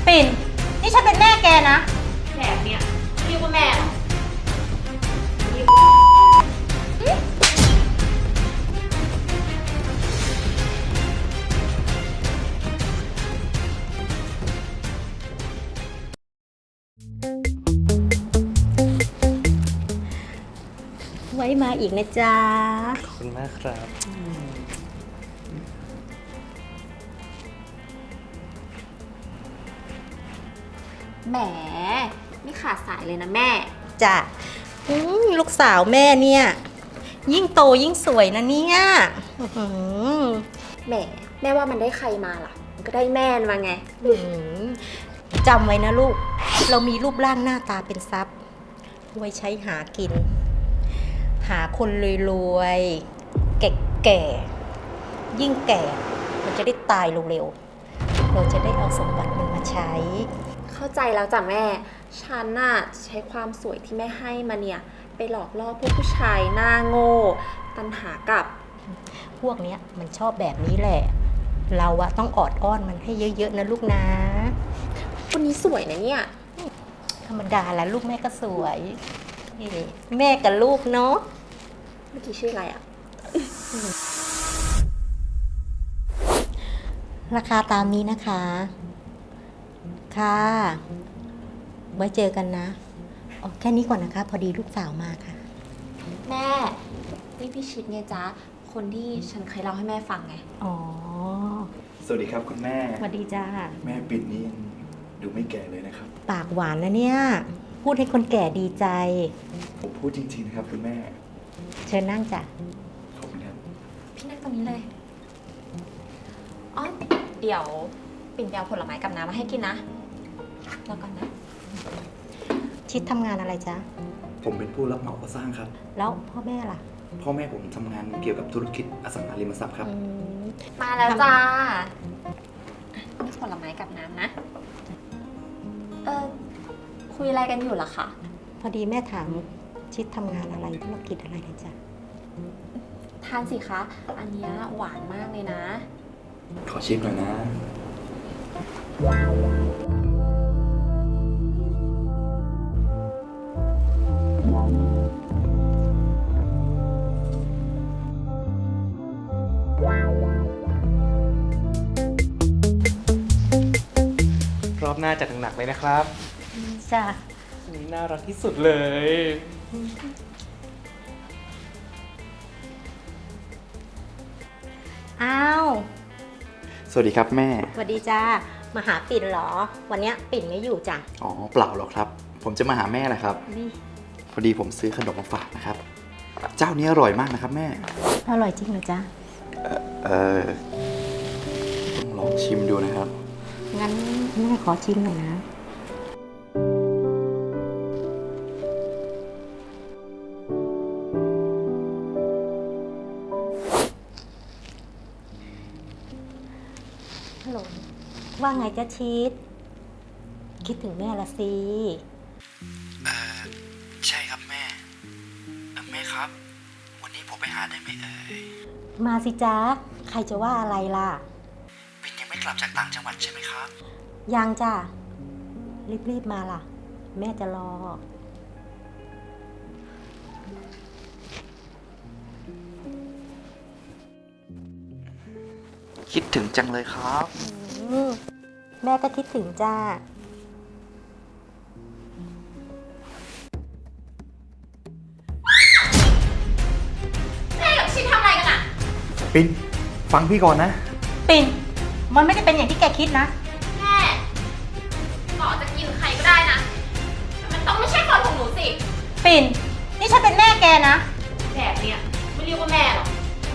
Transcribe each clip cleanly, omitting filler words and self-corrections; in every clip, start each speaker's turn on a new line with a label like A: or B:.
A: ปิ่นนี่ฉันเป็นแม่แกนะ
B: แบบเนี้ยเรียกว่าแม่เหรอ
A: ไว้มาอีกนะจ๊ะ
C: ขอบคุณมากครับ
B: แหมไม่ขาดสายเลยนะแม่
A: จ้ะลูกสาวแม่เนี่ย ยิ่งโตยิ่งสวยนะเนี่ยอื้อหือ
B: แหมแม่ว่ามันได้ใครมาล่ะ มันก็ได้แม่มาไง
A: อื้อหือจำไว้นะลูก เรามีรูปร่างหน้าตาเป็นทรัพย์ ไว้ใช้หากิน หาคนรวยๆแก่ๆยิ่งแก่มันจะได้ตายเร็วๆเราจะได้เอาสมบัติมันมาใช้
B: เข้าใจแล้วจ้ะแม่ ฉันน่ะใช้ความสวยที่แม่ให้มาเนี่ย ไปหลอกล่อพวกผู้ชายหน้าโง่ ตันหากับ
A: พวกเนี้ยมันชอบแบบนี้แหละ เราอะต้องออดอ้อนมันให้เยอะๆนะลูกนะ
B: คนนี้สวยนะเนี่ย
A: ธรรมดาแล้วลูกแม่ก็สวยนี่แม่กับลูกเนาะ
B: เมื่อกี้ชื่ออะไรอะ
A: ราคาตามนี้นะคะ ค่ะ ไว้เจอกันนะอ๋อแค่นี้ก่อนนะคะ พอดีลูกสาวมาค่ะ
B: แม่นี่พี่ชิดไงจ๊ะ คนที่ฉันเคยเล่าให้แม่ฟังไง
A: อ๋อ
C: สวัสดีครับคุณแม่
A: สวัสดีจ้า
C: แม่ปิ่นนี่ยังดูไม่แก่เลยนะครับ
A: ปากหวานนะเนี่ย พูดให้คนแก่ดีใจ
C: ผมพูดจริงๆนะครับคุณแม่
A: เชิญนั่งจ้ะ
C: ขอบคุณครับ
B: พี่นั่งตรงนี้เลย อ๋อ เดี๋ยวปิ่นไปเอาผลไม้กับน้ำมาให้กินนะรอก่อนนะ
A: ชิดทำงานอะไรจ๊ะ
C: ผมเป็นผู้รับเหมาก่อสร้างครับ
A: แล้วพ่อแม่ล่ะ
C: พ่อแม่ผมทำงานเกี่ยวกับธุรกิจอสังหาริมทรัพย์ครับ
A: อืม
B: มาแล้วจ้านี่ผลไม้กับน้ำนะ คุยอะไรกันอยู่ล่ะคะ
A: พอดีแม่ถามชิดทำงานอะไรธุรกิจอะไรนะจ๊ะ
B: ทานสิคะ อันเนี้ยหวานมากเลยนะ
C: ขอชิมหน่อยนะ
D: รอบหน้าจัดหนักๆเลยนะครับ
A: จ้ะ
D: นี่น่ารักที่สุดเลย
A: อ้าว
C: สวัสดีครับแม่
A: สวัสดีจ้า มาหาปิ่นเหรอ วันเนี้ยปิ่นไม่อยู่จ้ะ
C: อ๋อเปล่าหรอกครับ ผมจะมาหาแม่แหละครับ
A: นี่
C: พอดีผมซื้อขนมมาฝากนะครับ เจ้านี้อร่อยมากนะครับแม่
A: อร่อยจริงเหรอจ๊ะ
C: เออต้องลองชิมดูนะครับ
A: งั้นแม่ขอชิมหน่อยนะ ฮัลโหล ว่าไงจ๊ะชีสคิดถึงแม่ละสิ
C: ใช่ครับแม่ แม่ครับ วันนี้ผมไปหาได้ไหมเอ่ย
A: มาสิจ๊ะ ใครจะว่าอะไรล่ะ
C: ปิ่นยังไม่กลับจากต่างจังหวัดใช่ไหมครับ
A: ยังจ้ะ รีบๆมาล่ะ แม่จะรอ
C: คิดถึงจังเลยครับ
A: แม่ก็คิดถึงจ้า
B: แม่กับชิดทำอะไรกันอะ
C: ปิ่นฟังพี่ก่อนนะ
A: ปิ่น มันไม่ได้เป็นอย่างที่แกคิดนะ
B: แม่ต่อจะกินใครก็ได้นะแต่มันต้องไม่ใช่คนของหนูสิ
A: ปิ่น นี่ฉันเป็นแม่แกนะ
B: แบบเนี้ยไม่เรียกว่าแม่หรอก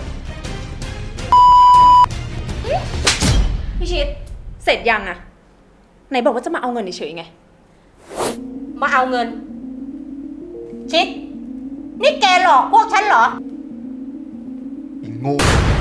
B: พี่ชิด เสร็จยังอะไหนบอกว่าจะมาเอาเงินเฉยๆไง
A: มาเอาเงิน ชิด นี่แกหลอกพวกฉันเหรอ
C: อีงู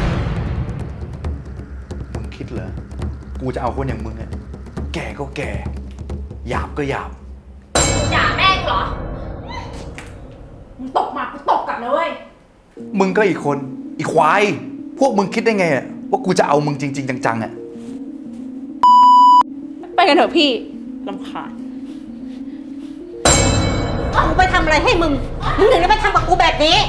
C: มึงคิดเหรอ กูจะเอาคนอย่างมึงอะแก่ก็แก่ หยาบก็หยาบ
B: ด่าแม่กูเหรอ มึงตกมากูตกกลับนะเว้ย
C: มึงก็อีกคน อีควาย พวกมึงคิดได้ไงอะว่ากูจะเอามึงจริง ๆ จังๆอะ
B: ไป
E: กันเถอะพี่รำคาญ
A: กูไปทำอะไรให้มึง มึงถึงได้ไปทำกับกูแบบนี้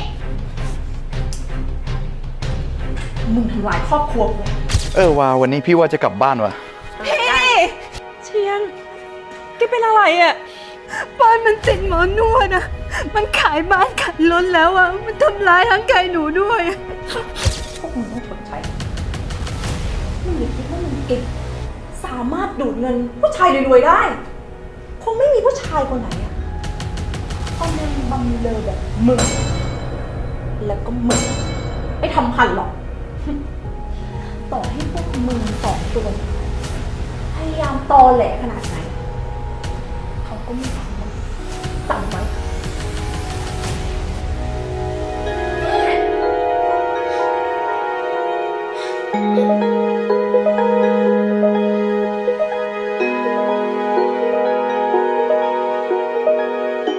E: มึงทำลายครอบครัวกู
C: วาวันนี้พี่ว่าจะกลับบ้านว่ะ
E: พี่เชียงแกเป็นอะไรอ่ะบ้านมันติดหมอนวดอ่ะมันขายบ้านขายรถแล้วอ่ะมันทำร้ายทั้งกายหนูด้วยพวกมึงต้องชดใช้มึงอย่าคิดว่ามึงเก่งสามารถดูดเงินผู้ชายรวยๆได้คงไม่มีผู้ชายคนไหนอ่ะเอาเงินบำเรอแบบมึงแล้วก็มึงไม่ทำพันหรอก ต่อให้พวกมึงสองตัวพยายามตอแหลขนาดไหนเขาก็ไม่ทำมันจำไว้